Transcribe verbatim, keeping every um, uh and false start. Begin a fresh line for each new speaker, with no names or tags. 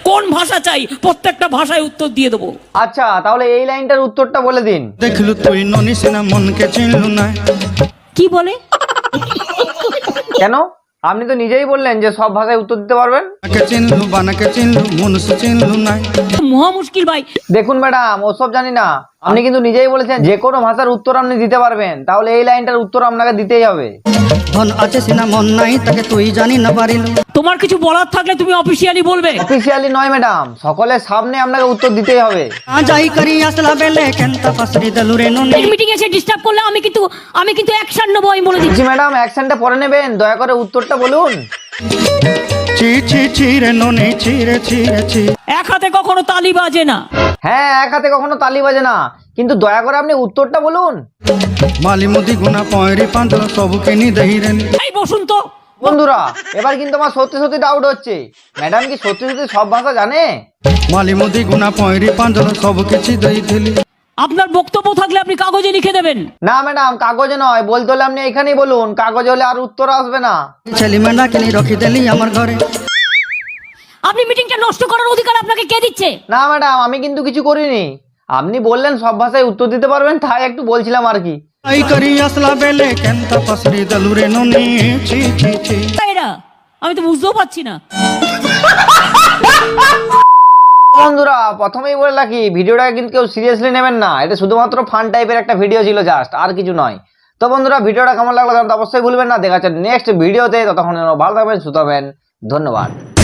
কোন ভাষা চাই প্রত্যেকটা ভাষায় উত্তর দিয়ে দেবো।
আচ্ছা তাহলে এই লাইনটার উত্তরটা বলে দিন।
দেখলু তুই ননিস না মনকে চিনলু না।
কি বলে?
কেন? আপনি তো নিজেই বললেন যে সব ভাষায় উত্তর দিতে পারবেন।
কে চিনলু বানাকে চিনলু মনুষ চিনলু না।
মহা মুশকিল ভাই।
দেখুন ম্যাডাম ওসব জানি না, আপনি কিন্তু নিজেই বলেছেন যে কোনো ভাষার উত্তর আপনি দিতে পারবেন, তাহলে এই লাইনটার উত্তর আপনাকে দিতেই হবে।
ধন আছে সিনা মন নাই তাকে তুই জানি না পারিলু।
তোমার কিছু বলার থাকলে তুমি অফিসিয়ালি বলবে।
অফিসিয়ালি নয় ম্যাডাম, সকলের সামনে আপনাকে উত্তর দিতেই হবে।
যাই করি আসলা বেলে কেনতা পাসরি দলু রে ননি।
মিটিং এসে ডিস্টার্ব করলে আমি কিন্তু আমি কিন্তু অ্যাকশন নেবো, আমি বলে দিচ্ছি।
জি ম্যাডাম অ্যাকশনটা পরে নেবেন, দয়া করে উত্তরটা বলুন।
ছি ছি ছি রে ননি ছি রে ছি রে ছি।
এক হাতে কখনো তালি বাজে না।
হ্যাঁ এক হাতে কখনো তালি বাজে না, কিন্তু দয়া করে আপনি উত্তরটা বলুন।
মালি মুদি গুনা পয়রি পাঁদল সবু কিনি দেই রে।
এই বসুন তো।
বন্ধুরা এবার কিন্তু আমার সত্যি সত্যি ডাউট হচ্ছে, ম্যাডাম কি সত্যি সত্যি সব ভাষা জানে?
মালি মুদি গুনা পয়রি পাঁদল সবু কিছু দেইছিলি।
আপনার বক্তব্য থাকলে আপনি কাগজে লিখে দেবেন।
না ম্যাডাম কাগজে নয়, বলতে হলে আপনি এখানেই বলুন, কাগজে হলে আর উত্তর আসবে না।
ছেলে মেয়েরা কিনি রখি দেলি আমার ঘরে।
আপনি মিটিংটা নষ্ট করার অধিকার আপনাকে কে দিচ্ছে?
না ম্যাডাম আমি কিন্তু কিছু করিনি, আপনি বললেন সব ভাষায় উত্তর দিতে পারবেন, তাই একটু বলছিলাম আর কি।
যাই করি আসলা বেলে কেনতা পাসরি দলু রে ননি ছি ছি ছি।
এরা আমি তো বুঝতেও পারছি না।
বন্ধুরা প্রথমেই বলে রাখি, ভিডিওটা কিন্তু কেউ সিরিয়াসলি নেবেন না, এটা শুধুমাত্র ফান টাইপের একটা ভিডিও ছিল জাস্ট, আর কিছু নয়। তো বন্ধুরা ভিডিওটা কেমন লাগলো জানতে অবশ্যই ভুলবেন না। দেখা যাচ্ছে নেক্সট ভিডিওতে, ততক্ষণ ভালো থাকবেন, সুস্থ থাকবেন, ধন্যবাদ।